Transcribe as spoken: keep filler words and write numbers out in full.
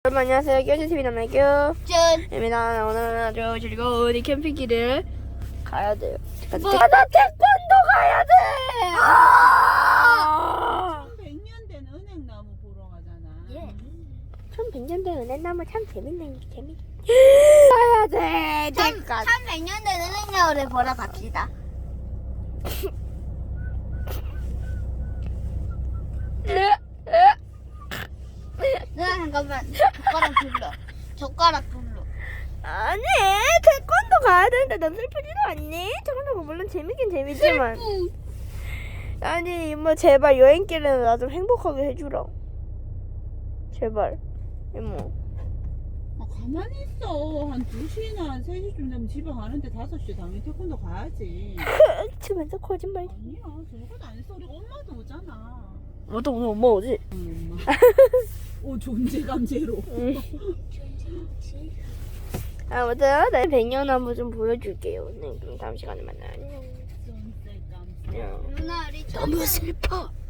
여러분 안녕하세요. 교주티비 남매교 짠. 입니다. 오늘은 아주 즐거운 이 캠핑길을 가야 돼요. 뭐? 나 태권도 가야 돼. 아! 천백 년 된 은행나무 보러 가잖아. 예. 천백 년 된 은행나무 참 재밌네. 재밌. 가야 돼. 잠깐. 천백 년 된 은행나무를 보러 갑시다. 누나 잠깐만. 젓가락 불러. 젓가락 불러. 아니 태권도 가야 되는데 넌 슬프지도 않니? 태권도가 물론 재밌긴 재밌지만. 아니 이모 제발 여행길에는 나 좀 행복하게 해주라. 제발 이모. 아, 가만히 있어. 한 두 시나 세 시쯤 되면 집에 가는데 다섯 시에 당연히 태권도 가야지. 치면서 거짓말. 아니야. 저것도 안 했어. 우리 엄마도 오잖아. 뭐또 오늘 엄마 오지? 응, 엄마. 오, 존재감 제로. 아무튼 내 백년 한번 좀 보여줄게요. 네, 그럼 다음 시간에 만나요. 안녕. 존재감 안녕. 누나 우리 너무 슬퍼.